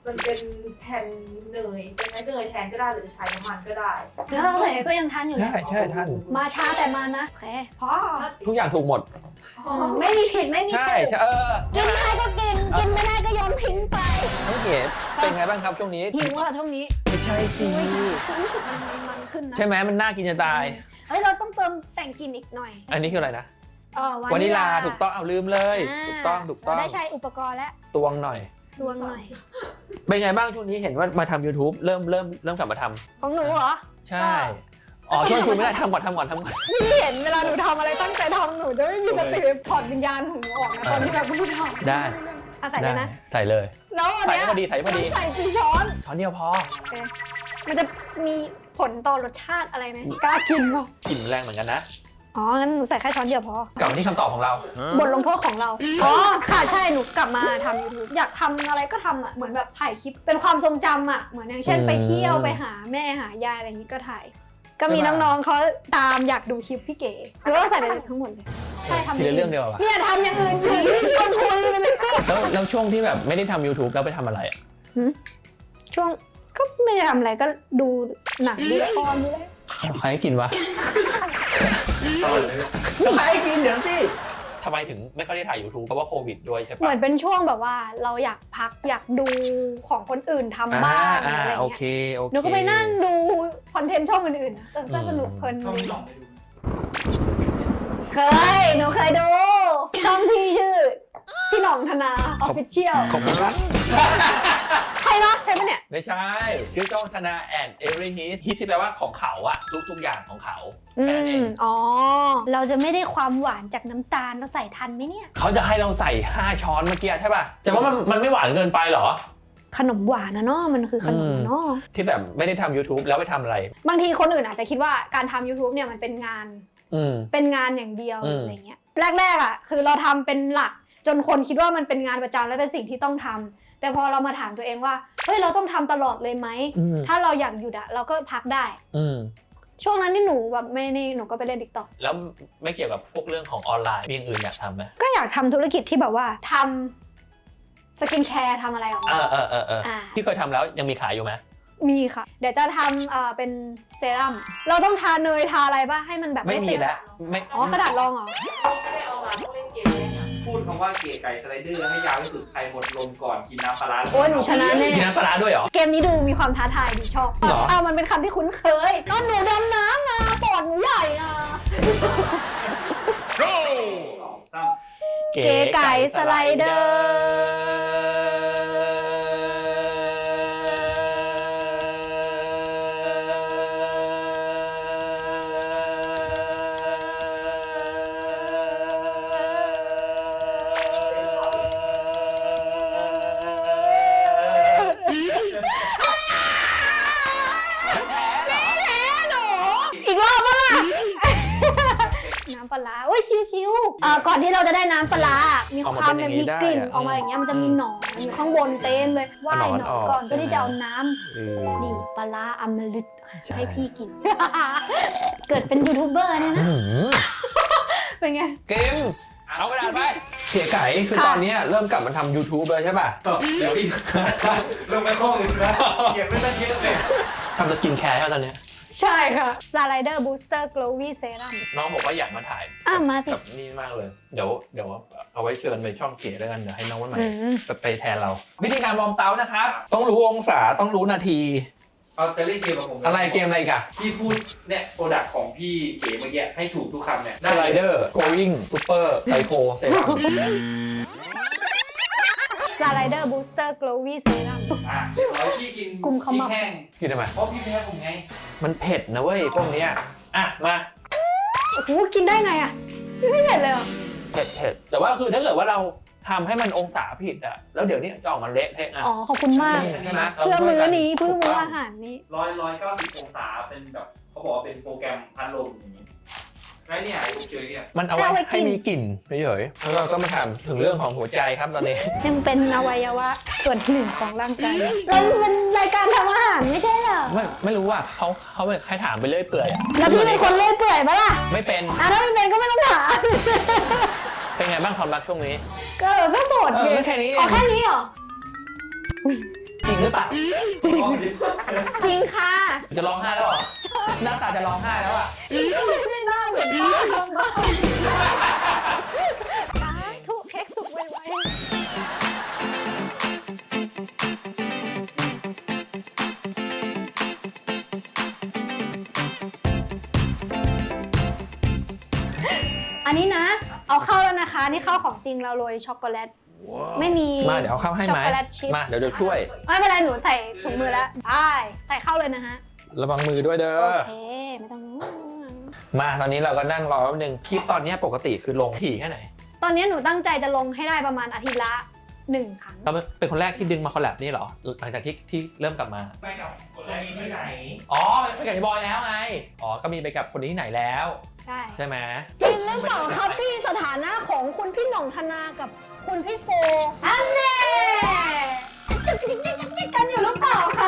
Speaker 4: มันเป็นแผ่นเนยเป็นไม้เนยแทนก็ได้หรือจะใช้น้ำมันก็ได้
Speaker 2: แล้วเราใส่ก็ยังทันอยู่
Speaker 1: ใช่
Speaker 2: นะ
Speaker 1: ใช่ท่าน
Speaker 2: มาช้าแต่มานะโอเคพอ
Speaker 1: ทุกอย่างถูกหมด
Speaker 2: ไม่มีผิดไม่มี
Speaker 1: ใช่
Speaker 2: ถูก
Speaker 1: ใช่เออ
Speaker 2: กินได้ก็กิน กินไม่ได้ก็โยนทิ้งไป
Speaker 1: น้องเก๋เป็นไงบ้างครับช่วงนี้
Speaker 2: หิวอ่ะช่วงนี้
Speaker 1: ไม่ใช่สิ
Speaker 2: รู้สึกมันมันขึ้นนะ
Speaker 1: ใช่ไหมมันน่ากินจะตาย
Speaker 2: เฮ้ยเราต้องเติมแต่งกลิ่นอีกหน่อย
Speaker 1: อันนี้คืออะไรนะ
Speaker 2: เออ
Speaker 1: วานิลาถูกต้องเอาลืมเลย ถูกต้องถูกต้อง
Speaker 2: เราได้ใช้อุปกรณ์แล้ว
Speaker 1: ตวงหน่อย
Speaker 2: ดวงหน่อย
Speaker 1: เป็นไงบ้างช่วงนี้เห็นว่ามาทำ YouTube เริ่มเริ่มเริ่มกลับมาทำ
Speaker 2: ของหนูเหรอ
Speaker 1: ใช่ อ๋อช่วงคุณไม่ได้ทำก่อนทำก่อนทำก่อน
Speaker 2: พี่เห็นเวลาหนูทำอะไรตั้งใจทำหนูจะไม่มีสติถอดวิญญาณของหนูออกนะตอนที่แบบไม่ทำ
Speaker 1: ได้
Speaker 2: อ่ะใส่เลยนะ
Speaker 1: ใส่เลย
Speaker 2: แล้วอัน
Speaker 1: ใส่
Speaker 2: เนี้ย
Speaker 1: พอดีใส่พอดี
Speaker 2: ต้องใส่กี่ช้อน
Speaker 1: ช้อนเดียวพอ
Speaker 2: โอเคมันจะมีผลต่อรสชาติอะไรไหมกล้ากินป่ะ
Speaker 1: กลิ่นแรงเหมือนกันนะ
Speaker 2: อ๋อ งั้นหนูใส่แค่ช้อนเดียวพอ
Speaker 1: กลับมาที่คำตอบของเรา
Speaker 2: บทลงโทษของเรา อ๋อ ค่ะใช่ หนูกลับมาทำ YouTube อยากทำอะไรก็ทำอ่ะ เหมือนแบบถ่ายคลิป เป็นความทรงจำอ่ะ เหมือนอย่างเช่น
Speaker 1: อืม
Speaker 2: ไปเที่ยวไปหาแม่หายายอะไรอย่างนี้ก็ถ่าย ก็มี
Speaker 1: ใช่ปะ
Speaker 2: น้องๆเขาตามอยากดูคลิปพี่เก๋หรือว่าใส่ไปทั้งหมดเลย ใช่ทำ
Speaker 1: ทีละเรื่องเดียวอะ
Speaker 2: เนี่ยทำอย่างอื่นอยู่ที่ชวนคุยไปเลย
Speaker 1: แล้วแล้วช่วงที่แบบไม่ได้ทำ YouTube แล้วไปทำอะไรอะ
Speaker 2: ช่วงก็ไม่ได้ทำอะไรก็ดูหนังดูละครดูเลย
Speaker 1: ใครให้กินวะ
Speaker 3: เอาเลย
Speaker 1: ใครให้กินเดี๋ยวสิทำไมถึงไม่ค่อยได้ถ่าย YouTube เพราะว่าโควิดด้วยใช่
Speaker 2: เหมื
Speaker 1: ปะ
Speaker 2: อนเป็นช่วงแบบว่าเราอยากพักอยากดูของคนอื่นทำบ้าง
Speaker 1: อ่า
Speaker 2: อะไร
Speaker 1: โอ
Speaker 2: เงี้
Speaker 1: เค
Speaker 2: ย
Speaker 1: โอเค
Speaker 2: หนูก็ไปนั่งดูคอนเทนต์ช่องอื่นๆนะเออก็สนุกเพลิน
Speaker 3: เข้า
Speaker 2: ดี
Speaker 3: พี่หน่องไปดู
Speaker 2: เคยหนูเคยดู ช่องพี่ชื่อ พี่หน่องธนาออฟฟิเชียล
Speaker 1: ขอบคุณครับ
Speaker 2: ใช่เนาะใช่ปะเนี่ย
Speaker 1: ไม่ใช่ ชื่อจ้องธนาแอนเอเวอร์ฮิตฮิตที่แปลว่าของเขาอะทุกทุกอย่างของเขา
Speaker 2: อื
Speaker 1: แค่นั้นเอ
Speaker 2: ม
Speaker 1: ง
Speaker 2: อ๋อ เราจะไม่ได้ความหวานจากน้ำตาลเราใส่ทันไหมเนี่ย
Speaker 1: เขาจะให้เราใส่ห้าช้อนเมื่อกี้ใช่ป่ะแต่ว่ามันมันไม่หวานเกินไปเหรอ
Speaker 2: ขนมหวานนะเนาะมันคือขนมเนาะ
Speaker 1: ที่แบบไม่ได้ทำ YouTube แล้วไปทำอะไร
Speaker 2: บางทีคนอื่นอาจจะคิดว่าการทำ YouTube เนี่ยมันเป็นงาน
Speaker 1: อืม
Speaker 2: เป็นงานอย่างเดียว
Speaker 1: อืม
Speaker 2: อะไรเงี้ยแรกๆอ่ะคือเราทำเป็นหลักจนคนคิดว่ามันเป็นงานประจำและเป็นสิ่งที่ต้องทำแต่พอเรามาถามตัวเองว่าเฮ้ยเราต้องทำตลอดเลยไหม
Speaker 1: อืม
Speaker 2: ถ้าเราอยากหยุดอะเราก็พักได้
Speaker 1: อืม
Speaker 2: ช่วงนั้นที่หนูแบบไม่นี่หนูก็ไปเล่น TikTok
Speaker 1: แล้วไม่เกี่ยวกับพวกเรื่องของออนไลน์มีอย่างอื่นอยากทำไหม
Speaker 2: ก็อยากทำธุรกิจที่แบบว่าทำสกินแคร์ทำอะไรออก
Speaker 1: เอ
Speaker 2: มา
Speaker 1: อเออเออเออ
Speaker 2: อ่า
Speaker 1: ที่เคยทำแล้วยังมีขายอยู่ไหม
Speaker 2: มีค่ะ เดี๋ยวจะทำเอ่อเป็นเซรั่มเราต้องทาเนยทาอะไรป่ะให้มันแบบ
Speaker 1: ไม่
Speaker 2: ไม่
Speaker 1: มี
Speaker 2: ติด
Speaker 1: แล้วไม่
Speaker 2: อ๋อกระดาษรองเหรอ
Speaker 4: ไม่ได้เอามาต้องเล่นเกมเลยนะ
Speaker 3: พูดคำว่าเก๋ไก่สไลเดอร์ให้ยาวที่สุดใครหมดลมก่อนกินน้ำปลาร้า
Speaker 2: โอ้ยหนูชนะแน่
Speaker 1: มีน้ำปลาร้าด้วยเหรอ
Speaker 2: เกมนี้ดูมีความท้าทายดีชอบ
Speaker 1: เหรอ
Speaker 2: อ้าวมันเป็นคำที่คุ้นเคยนอนหนูดำน้ำนะปอดหนูใหญ่นะ
Speaker 3: สองสาม
Speaker 2: เก๋ไก่สไลเดอร์อีกรอบปะล่ะ น้ำปลาร้าโอ้ยชิวๆอ่าก่อนที่เราจะได้น้ำปลาร้ามีความแบบมีกลิ่นออกมาอย่างเงี้ยมันจะมีหนอนอยู่ข้างบนเต็มเลยว่ายหนอนก่อนเพื่อที่จะเอาน้ำ
Speaker 1: เออ
Speaker 2: นี่ปลาร้าอมฤต
Speaker 1: ใช่
Speaker 2: ให้พี่กิน เกิดเป็นยูทูบเบอร์เนี่ยนะ
Speaker 1: อื้อหือ
Speaker 2: เป็นไง
Speaker 1: เกมเอากระดาษไปเก๋ไก่คือ
Speaker 2: ค่ะ
Speaker 1: ตอนเนี้ยเริ่มกลับมาทำ YouTube เลยใช่ป่ะ
Speaker 3: เดี๋ยวพี่ลงไปข้ออื่นนะเขียนไม่ตั้งเยอะเลย
Speaker 1: ทำสกินแคร์ใช่ไหมตอนเนี้ย
Speaker 2: ใช่ค่ะสไลเดอร์บูสเตอร์ glowy serum
Speaker 1: น้องบอกว่าอยากมาถ่าย
Speaker 2: อ่ะมาสิ
Speaker 1: กับนี่มากเลย เดี๋ยวเดี๋ยวเอาไว้เชิญไปช่องเก๋แล้วกันเดี๋ยวให้น้องวันใหม่
Speaker 2: อืม
Speaker 1: ไปไปแทนเรา วิธีการวอร์มเตานะครับ ต้องรู้องศาต้องรู้นาที
Speaker 3: เอาจะเล่นเกมกับผม
Speaker 1: อะไรเกมอะไรอีกอะ
Speaker 3: พี่พูดเนี่ยโปรดักต์ของพี่เก๋เมื่อกี้ให้ถูกทุกคำเนี่ย
Speaker 1: สไลเดอร์ going super psycho เซรั่ม
Speaker 2: สไลเดอร์บูสเตอร์ glowy serum
Speaker 3: อ่ะเดี๋ยวเอาพี่กิน
Speaker 2: กุมขมับ
Speaker 3: พริแห้ง
Speaker 1: กินทำไม
Speaker 3: เพราะพี่แพ้ผมไง
Speaker 1: มันเผ็ดนะเว้ยพวกเนี้ยอ่ะมา
Speaker 2: โอ้โหกินได้ไงอ่ะไม่เผ็ดเลยเหรอ
Speaker 1: เผ็ดเผ็ดแต่ว่าคือถ้าเกิดว่าเราทำให้มันองศาผิดอะแล้วเดี๋ยวนี้จะออกมาเละเทะอะ
Speaker 2: อ๋อขอบคุณมาก
Speaker 1: ใช่ไหม
Speaker 2: เพื่อมื้อนี้เพื่อมื้ออาหารนี้
Speaker 3: ร้อยร้อยเก้าสิบองศาเป็นแบบเขาบอกว่าเป็นโปรแกรมพัดลมอย่างนี้ไรเนี่ยผมเจอเนี่ย
Speaker 1: มันเอาไว้
Speaker 2: เอาไว้กิน
Speaker 1: ให้มีกลิ่นเฉยๆแล้วเราก็มาถามถึงเรื่องของหัวใจครับตอนนี้
Speaker 2: ยังเป็นอวัยวะส่วนหนึ่งของร่างกายเราเป็นรายการทำอาหารไม่ใช่เหรอ
Speaker 1: ไม่ไม่รู้ว่าเขาเขาใครถามไปเรื่อยเปื่อยอะ
Speaker 2: แล้วพี่เป็นคนเล่อยเปื่อยปะล่ะ
Speaker 1: ไม่เป็น
Speaker 2: อ่ะถ้าไม่เป็นก็ไม่ต้องถาม
Speaker 1: เป็นไงบ้างความรักช่วงนี้
Speaker 2: ก็ก็โสด
Speaker 1: เอ
Speaker 2: ดิ
Speaker 1: อแค่นี้เอง
Speaker 2: อ๋อแค่นี้เหรอ
Speaker 1: จริงหรือเปล่า
Speaker 2: จริงค่ะ
Speaker 1: จะร้องไห้แล้วเหรอหน้าตาจะร้องไห้แล้วอ่ะ
Speaker 2: ไม่ได้หน้าเหมือนบ้าบ้าทุกเค้กสุกไวๆอันนี้นะ เอาเข้าแล้วนะคะ นี่เข้าของจริงเราโรยช็อกโกแลต ไม่มี
Speaker 1: มาเดี๋ยวเอาเข้าให้ไหม
Speaker 2: ช็อกโกแลตชิพ
Speaker 1: มาเดี๋ยวเดี๋ยวช่วย
Speaker 2: ไม่เป็นไรหนูใส่ถุงมือแล้วไปใส่เข้าเลยนะฮะ
Speaker 1: ระวังมือด้วยเด้
Speaker 2: โอ
Speaker 1: อ
Speaker 2: เค ไม่ต้อง
Speaker 1: มาตอนนี้เราก็นั่งรอแป๊บนึงคลิปตอนนี้ปกติคือลงถี่แค่ไหน
Speaker 2: ตอนนี้หนูตั้งใจจะลงให้ได้ประมาณอาทิตย์ละหนึ่งครั้ง
Speaker 1: เราเป็นคนแรกที่ดึงมาคอลแลบนี่เหรอหลังจากที่ที่เริ่มกลับมา
Speaker 3: ไปกับคนแรกที่ไหน
Speaker 1: อ๋อไปกับพี่บอยแล้วไงอ๋อก็มีไปกับคนนี้ที่ไหนแล้ว
Speaker 2: ใช่
Speaker 1: ใช่ไหม
Speaker 2: จริงหรือเปล่าครับที่สถานะของคุณพี่หน่องธนากับคุณพี่โฟอันเน่จะจิ๊กจิ๊กจิ๊กจิ๊กกันอยู่หรือเปล่าคะ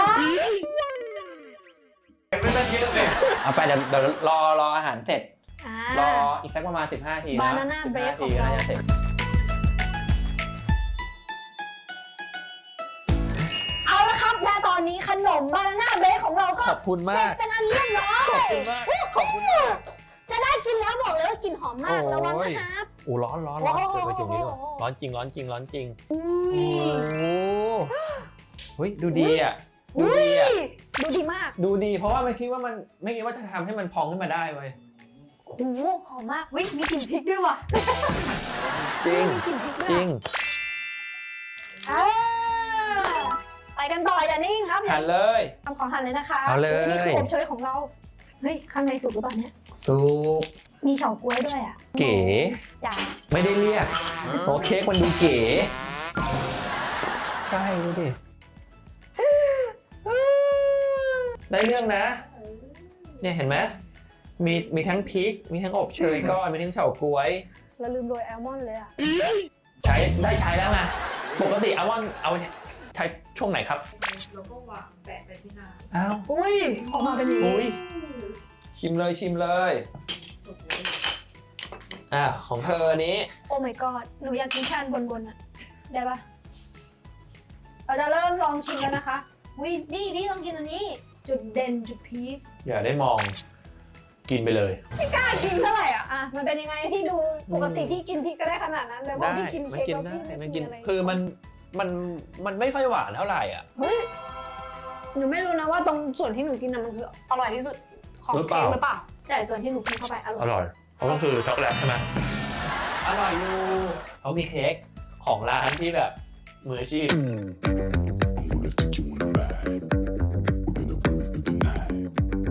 Speaker 3: ไม่ต้องเยอะเลย
Speaker 1: เอาไปเดี๋ยวเดี๋ยวรอรออาหารเสร็จ
Speaker 2: อ่าร
Speaker 1: ออีกสักประมาณสิบห้าทีนะ
Speaker 2: Banana
Speaker 1: สิบห้า
Speaker 2: break
Speaker 1: ที
Speaker 2: ของ
Speaker 1: ก็
Speaker 2: เรา
Speaker 1: น่าจะเสร็จ
Speaker 2: เอาละครับและตอนนี้ขนมบานาน่าเบรของเราก็
Speaker 1: ขอบคุณมาก
Speaker 2: เสร็จเป็นอันเรียบร้อย
Speaker 1: ขอบคุณมากขอบคุณมาก
Speaker 2: จะได้กินแล้วบอกเลยว่ากลิ่นหอมมาก
Speaker 1: โอ้ย
Speaker 2: ระวังนะครับ
Speaker 1: อู้ร้อนร้อนร้อน
Speaker 2: โอ้โห
Speaker 1: เปิดไปจุ่มนี้ก่อนร้อนจริงร้อนจริงร้อนจริง
Speaker 2: อุ้
Speaker 1: โอ้
Speaker 2: ย
Speaker 1: เฮ้ยดูดีอ่ะดู
Speaker 2: อุ้
Speaker 1: ดี
Speaker 2: ย
Speaker 1: อ่ะ
Speaker 2: ดูดีมาก
Speaker 1: ดูดีเพราะว่าไม่คิดว่ามันไม่คิดว่าจะทำให้มันพองขึ้นมาได้เว้ย
Speaker 2: โอ้โหหอมมากวิมีกลิ่นพริกด้วยว่ะ
Speaker 1: จริง
Speaker 2: มีกลิ่นพริกด้วย
Speaker 1: จริง
Speaker 2: อ่าไปกันต่ออย่านิ่งครับ
Speaker 1: หันเลย
Speaker 2: ทำของหั่นเลยนะคะ
Speaker 1: เอาเลย
Speaker 2: นี่คืออบเชยของเรา เฮ้ย ข้างในสุกหรือเปล่าเนี่ย
Speaker 1: ถูก
Speaker 2: มีเฉาก๊วยด้วยอ่ะ
Speaker 1: เก๋
Speaker 2: จ้า
Speaker 1: ไม่ได้เรียกโอเค้กมันดูเก๋ใช่ดูดิได้เรื่องนะ เนี่ยเห็นไหมมีมีทั้งพริก มีทั้งอบเชยก้อน มีทั้งเฉาก๊วย
Speaker 2: เราลืมโรยแอลมอนด์เลยอ่ะ
Speaker 1: ใช้ได้ใช้แล้วไงปกติเอาว่าเอาใช้ช่วงไหนครับ
Speaker 4: เราก็วางแปะไปที่หน้า
Speaker 1: อ้าว
Speaker 2: อุ้ยออกมาเป็นอย่าง
Speaker 1: อุ้
Speaker 2: นี้
Speaker 1: ยชิมเลยชิมเลย อ่ะของเธอนี้
Speaker 2: โอ้ my god หนูอยากกินแค่อันบนๆอ่ะ ได้ปะเราจะเริ่มลองชิมแล้วนะคะอุ้ยนี่พี่ต้องกินอันนี้ จุดเด่นจุดพีค
Speaker 1: อย่าได้มองกินไปเลย
Speaker 2: ไม่กล้ากินเท่าไหร่อ่ะ อ่ะ มันเป็นยังไงพี่ดู ปกติพี่กินพริกก็ได้ขนาดนั้นแต่ว่า
Speaker 1: ได้
Speaker 2: พี่กิน
Speaker 1: ไม่
Speaker 2: เค้ก
Speaker 1: กิน
Speaker 2: แล้ว
Speaker 1: ได้
Speaker 2: พี่
Speaker 1: ไม่
Speaker 2: ไม่
Speaker 1: กิ
Speaker 2: กิ
Speaker 1: น
Speaker 2: นอะไร
Speaker 1: คือมันมันมันไม่ค่อยหวานเท่าไหร่อ่ะ
Speaker 2: เฮ้ย หนูไม่รู้นะว่าตรงส่วนที่หนูกินน่ะมันคืออร่อยที่สุดของ
Speaker 1: หรือเป
Speaker 2: เค้
Speaker 1: ล่า
Speaker 2: กหรือเปล่า แต่ส่วนที่หนูกินเข้าไปอร่
Speaker 1: อ
Speaker 2: อย
Speaker 1: ร่อยเพราะก็คือช็อกโกแลตใช่ไหมอร่อยอยู่เขามีเค้กของร้านที่แบบมืออาชีพ
Speaker 6: I'm gonna take you on a ride. We're gonna burn through the night.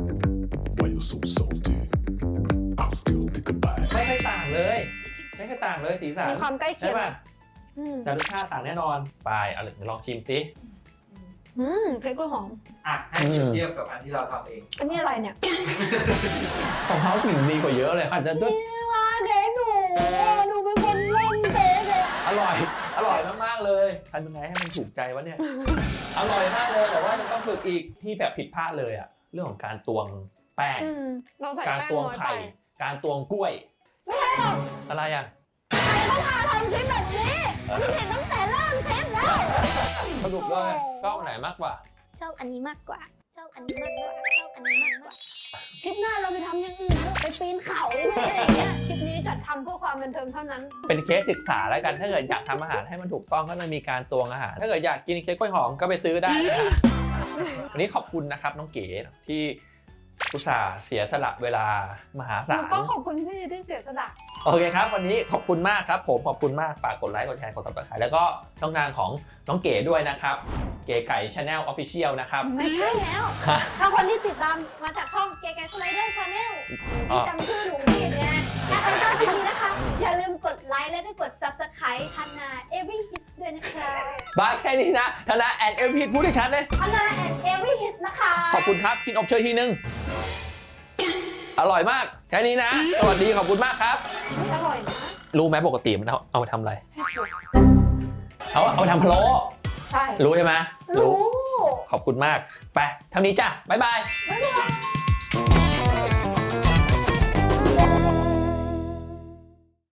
Speaker 6: Why you so salty? I'll still take a bite.
Speaker 1: ไม่ค่อยต่างเลย ไม่ค่อยต่างเลยสีสัน
Speaker 2: มีความใกล้เคี
Speaker 1: ใช่
Speaker 2: ยง
Speaker 1: ป่ะ
Speaker 2: อืม
Speaker 1: แต่รสชาติต่างแน่นอนไปเอาเลยลองชิมสิ
Speaker 2: อืมเค้กกล้วยหอม
Speaker 3: อ่ะให้เปรียบเทียบกับอันที่เราทำเอง
Speaker 2: อันนี้อะไรเนี่ย
Speaker 1: ของเขากลิ่นดีกว่าเยอะเลยอาจจะด้วย
Speaker 2: นี่ว่าเค้กหนูหนูเป็นคนเล่นเค้กเลย
Speaker 1: อร่อย อร่อยมากๆเลยทำยังไงให้มันถูกใจวะเนี่ย อร่อยมากเลยแต่ว่ายังต้องฝึกอีกที่แบบผิดพลาดเลยอะเรื่องของการตวงแป้ง
Speaker 2: อืมเราใส่
Speaker 1: การ
Speaker 2: แป้ง
Speaker 1: ตวง
Speaker 2: น้อยไป
Speaker 1: ไข่ การตวงกล้วย
Speaker 2: ไม่ใช่หรอก
Speaker 1: อะไรอะ
Speaker 2: ใครเขาพาทำคลิปแบบนี้พี่เห็นตั้งแต่เริ่มเทปแล้ว
Speaker 1: สรุปเลยชอบอันไหนมากกว่า
Speaker 2: ชอบอันนี้มากกว่า ชอบอันนี้มากกว่า ชอบอันนี้มากกว่า คลิปหน้าเราไปทำอย่างอื่นเถอะไปปีนเขาหรืออะไรอย่างเงี้ย คลิปนี้จัดทำเพื่อความบันเทิงเท่านั้น
Speaker 1: เป็นเคสศึกษาแล้วกันถ้าเกิดอยากทำอาหารให้มันถูกต้องก็จะมีการตวงอาหาร ถ้าเกิดอยากกินเค้กกล้วยหอมก็ไปซื้อได้นะฮะ วันนี้ขอบคุณนะครับน้องเก๋ที่อุตส่าห์เสียสละเวลามหาศาล
Speaker 2: ก็ขอบคุณพี่ที่เสียสละ
Speaker 1: โอเคครับ วันนี้ขอบคุณมากครับผมขอบคุณมากฝากกดไลค์กดแชร์กดติดตามแล้วก็ช่องทางของน้องเก๋ด้วยนะครับ เก๋ไก่ Channel Official นะครับ
Speaker 2: ไม่ใช่แล้ว
Speaker 1: ฮะ
Speaker 2: ถ้าคนที่ติดตามมาจากช่องเก๋ไก่สไลเดอร์ชาแนล
Speaker 1: อ๋อ
Speaker 2: ที่จำชื่อหนูผิดไงถ้าใครชอบคลิปนี้นะคะ อย่าลืมกดไลค์และก็กด Subscribe ทันนา Every Hits ด้วยนะคะ
Speaker 1: บายแค่นี้นะธนาแอนเอลพีพูดให้ชัดเลย
Speaker 2: ทันนา and Every Hits นะคะ
Speaker 1: ขอบคุณครับ กินอบเชยทีนึง อร่อยมาก แค่นี้นะ สวัสดีขอบคุณมากครับ
Speaker 2: ไม่อร่อยนะ
Speaker 1: รู้ไหมปกติมันเอาเอาไปทำอะไร เอาเอาไปทำพะโล้
Speaker 2: ใช่
Speaker 1: รู้ใช่ไหม
Speaker 2: รู้
Speaker 1: ขอบคุณมาก ไปเท่านี้จ้ะ บ๊ายบาย
Speaker 2: บ๊ายบาย